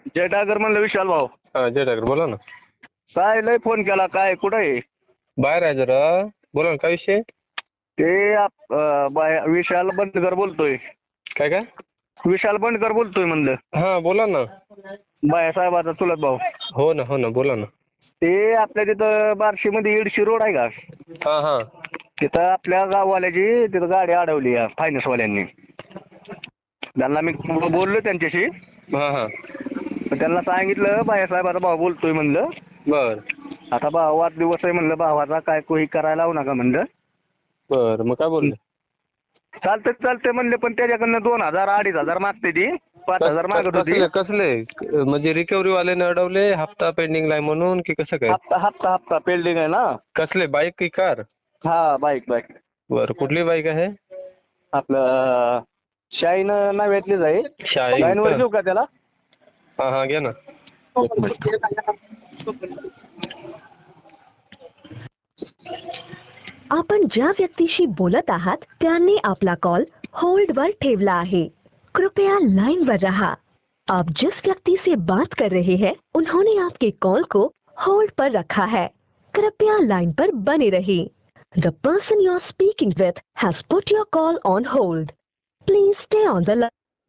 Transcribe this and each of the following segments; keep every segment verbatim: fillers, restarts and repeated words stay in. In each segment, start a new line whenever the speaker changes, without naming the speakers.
जय टागर म्हणलं विशाल भाऊ.
हा जय ठाकर बोला ना.
काय लय फोन केला, काय कुठं आहे?
बाहेर आहे जरा. बोला ना काय विषय.
ते आप- अं, बाय- विशाल बंडकर बोलतोय.
काय काय.
विशाल बंडकर बोलतोय म्हणलं.
हा बोला ना.
बायासाहेबाचा चुलत भाऊ.
हो ना हो ना बोला ना.
ते आपल्या तिथं बार्शीमध्ये इडशी रोड आहे का,
हा हा
तिथं आपल्या गाववाल्याची तिथं गाडी अडवली फायनान्स वाल्यांनी. त्यांना मी बोललो त्यांच्याशी.
हा हा
तर त्यांना सांगितलं बायासाहेबाचा भाऊ बोलतोय म्हणलं.
बर
आता भावात दिवस आहे म्हणलं, भावाचा काय कोही करायला लावू नका म्हणलं.
बर मग काय बोलले.
चालते चालते म्हणले, पण त्याच्याकडनं दोन हजार अडीच हजार मागते ती, पाच
कस-
हजार
क-
मागत होती.
कसले कसले म्हणजे रिकव्हरी वाल्याने अडवले, हप्ता पेंडिंग ला म्हणून की कसं काय.
हप्ता हप्ता हप्ता पेल्डिंग आहे ना.
कसले बाईक की कार.
हा बाईक बाईक
बर कुठली बाईक आहे.
आपलं शाईन नाव्यातलीच आहे.
शाईन
शाईन वर
का?
घेऊ का त्याला?
हा हा घ्या ना.
आपण ज्या व्यक्तीशी बोलत आहात त्यांनी आपला कॉल होल्ड वर ठेवला आहे. कृपया लाइन पर रहा. आप जिस व्यक्ति से बात कर रहे हैं उन्होंने आपके कॉल को होल्ड पर रखा है. कृपया लाइन पर बने रहिए. The person you are speaking with has put your call on hold. Please stay on the line.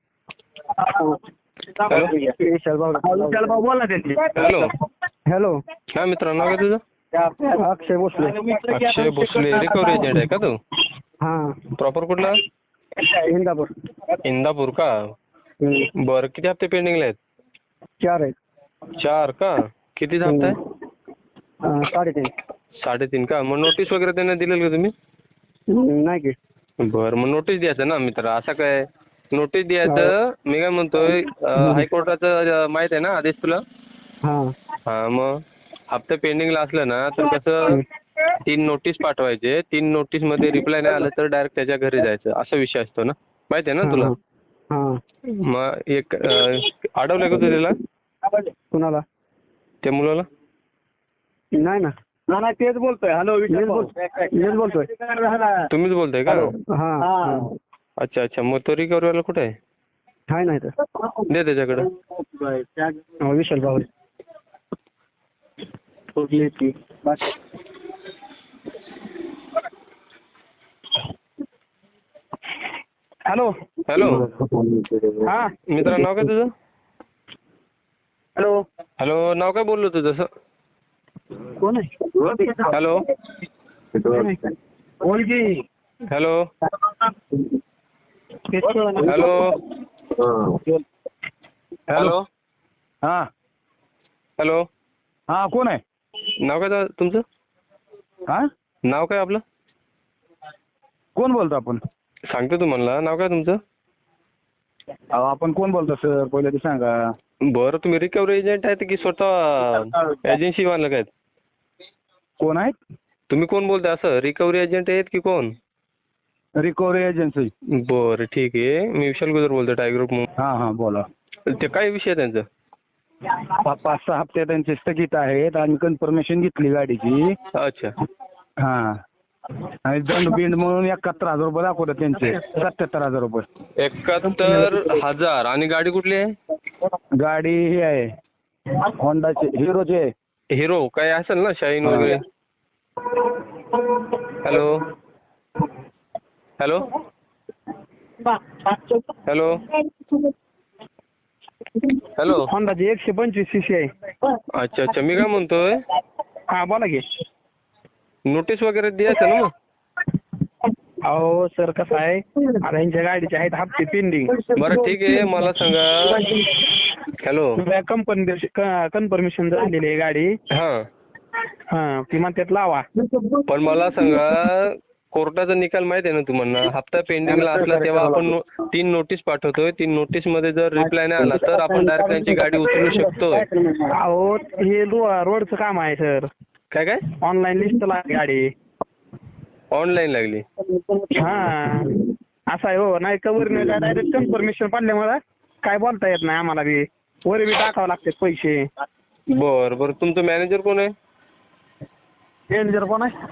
विशाल भाऊ विशाल भाऊ बोल ना त्यांची.
हॅलो.
हॅलो.
काय मित्रांनो नाव काय तुझं.
अक्षय भोसले.
अक्षय भोसले रिकव्हरी एजंट आहे का तू.
हा
प्रॉपर कुठला.
इंदापूर.
इंदापूर का. बर किती हप्ते पेंडिंगला आहेत.
चार आहेत.
चार का. किती हप्ता आहे.
साडेतीन.
साडेतीन का. मग नोटीस वगैरे त्यांना दिलेलं का तुम्ही.
नाही की.
बर मग नोटीस द्यायचं ना मित्र. असं काय नोटीस द्यायचं. मी काय म्हणतोय हायकोर्टाचं माहित आहे ना आदेश तुला.
हा
हा मग हप्ता पेंडिंगला असलं ना तर कसं तीन नोटीस पाठवायचे. तीन नोटीस मध्ये रिप्लाय नाही आलं तर डायरेक्ट त्याच्या घरी जायचं असा विषय असतो ना. माहिती आहे ना तुला. मग एक अडवलं का तू त्याला.
कुणाला.
त्या मुलाला.
नाही ना. नाही नाही तेच बोलतोय. हॅलो विशाल बोलतोय.
तुम्हीच बोलताय का.
हा
अच्छा अच्छा मग तो रिकव्हरी वाला कुठे आहे.
काय नाही तर
दे त्याच्याकडे.
विशाल भाऊ. हॅलो.
हॅलो.
हा
मित्रा नाव काय तुझं.
हॅलो.
हॅलो नाव काय बोललो तुझं जसं.
कोण आहे.
हॅलो.
बोल की.
हॅलो. हॅलो. हॅलो.
हा
हॅलो.
हा कोण आहे.
नाव काय दा- तुमचं.
हा
नाव काय आपलं.
कोण बोलतो आपण.
सांगतो तुम्हाला नाव काय तुमचं.
अहो आपण कोण बोलतो सर पहिले ते सांगा.
बरं तुम्ही रिकव्हरी एजंट आहेत की स्वतः एजन्सी वाले आहेत.
कोण आहेत.
तुम्ही कोण बोलताय असं रिकव्हरी एजंट आहेत की कोण.
Recovery agency.
बरं ठीक आहे मी विशाल गुजर बोलतोय टायगर ग्रुप.
हा हा बोला.
ते काय विषय आहे त्यांचं.
पा- पाच सहा हप्ते त्यांचे स्थगित आहेत आणि कन्फर्मेशन घेतली गाडीची.
अच्छा.
हा आणि दंड बिंड म्हणून एकाहत्तर हजार रुपये दाखवतात त्यांचे. सत्याहत्तर हजार रुपये.
एकाहत्तर हजार आणि गाडी कुठली आहे.
गाडी ही आहे होंडाची हिरोची आहे.
हिरो काय असेल ना शाईन वगैरे. हॅलो. हॅलो. हॅलो. हॅलो.
होंडाची एकशे पंचवीस सीसी आहे.
अच्छा अच्छा मी काय म्हणतोय.
हा बोला की.
नोटीस वगैरे द्यायचं ना मग.
अहो सर कसं आहे आता यांच्या गाडीचे आहेत हप्ते पेंडिंग.
बरं ठीक आहे मला सांगा. हॅलो.
कंपनी कन्फर्मेशन झालेली आहे गाडी.
हा
हा ती म्हणतात लावा.
पण मला सांगा कोर्टाचा निकाल माहिती आहे ना तुम्हाला. हप्ता पेंडिंगला असला तेव्हा आपण नो- तीन नोटीस पाठवतोय. तीन नोटीस मध्ये जर रिप्लाय नाही आला तर आपण डायरेक्ट त्यांची गाडी उचलू शकतोय.
अहो हे रोडचं काम आहे सर.
काय काय.
ऑनलाईन लिस्ट लागली गाडी.
ऑनलाईन लागली.
हा असं आहे हो. नाही कवर नाही डायरेक्ट कन्फर्मेशन पडल्यामुळे काय बोलता येत नाही आम्हाला बी. वर बी टाकावं लागतात पैसे.
बर बर तुमचं मॅनेजर कोण आहे.
मॅनेजर कोण आहे.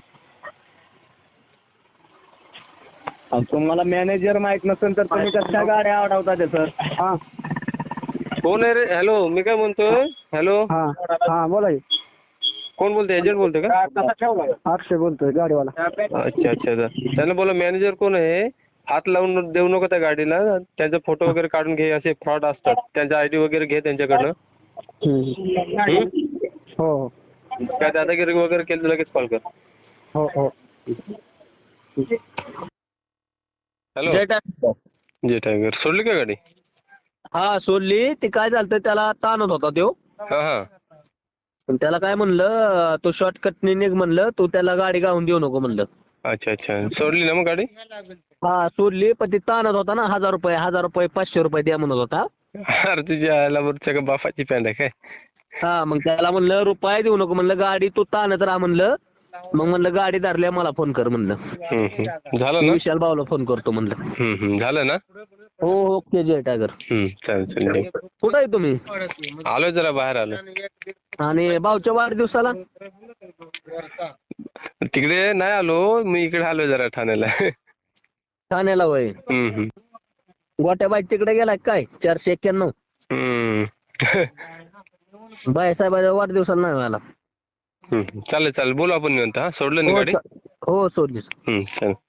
तुम्हाला मॅनेजर माहित नसेल तर तुम्ही कशा गाड्या अडवता सर. हा
कोण आहे रे? हॅलो, मी काय म्हणतोय, हॅलो,
हा हा बोला की.
कोण बोलतोय? एजंट बोलतोय का?
अक्षय बोलतोय गाडीवाला.
अच्छा अच्छा अच्छा. त्यांना बोला मॅनेजर कोण आहे, हात लावून देऊ नको त्या गाडीला, त्यांचा फोटो वगैरे काढून घे, असे फ्रॉड असतात, त्यांचा आयडी वगैरे घे त्यांच्याकडनं.
हम्म.
हम्म?
हो हो
काय दादागिरी वगैरे केली तर लगेच कॉल कर.
हो हो.
हॅलो,
जय टायगर.
जय टायगर. सोडली का गाडी?
हा सोडली. ते काय झालं त्याला ताणत होता तो.
हा हा.
पण त्याला काय म्हणलं, तो शॉर्टकटने निघ म्हणलं, तू त्याला गाडी गावून देऊ नको म्हणलं.
अच्छा अच्छा. सोडली ना मग गाडी?
हा सोडली, पण ती ताणत होता ना, हजार रुपये हजार रुपये पाचशे रुपये द्या म्हणत होता.
अरे तुझ्या आयला बरं का बापाची पॅन्ट आहे काय?
हा मग त्याला म्हणलं रुपये देऊ नको म्हणलं, गाडी तू ताणत राहा म्हणलं. मग म्हणलं गाडी धरल्या मला फोन कर म्हणलं.
हम्म, हम्म. झालं
मी
ना?
विशाल भाऊला फोन करतो म्हणलं.
हम्म, हम्म. झालं ना?
हो ओके जय टायगर.
हम्म, चालेल चालेल.
कुठं आहे तुम्ही?
आलोय जरा बाहेर आलो.
आणि भाऊच्या वाढदिवसाला?
तिकडे नाही आलो मी, इकडे आलोय जरा ठाण्याला.
ठाण्याला वय.
हम्म, हम्म.
गोट्या बाईक तिकडे गेलाय काय? चारशे एक्क्याण्णव.
हम्म.
बाय साहेबाच्या वाढदिवसाला नाही व्हायला.
हम्म. चालेल चालेल, बोलू आपण निवांत. हा, सोडलं ना
हो
गाडी?
चा- हो सोडलीस.
हम्म, चालेल.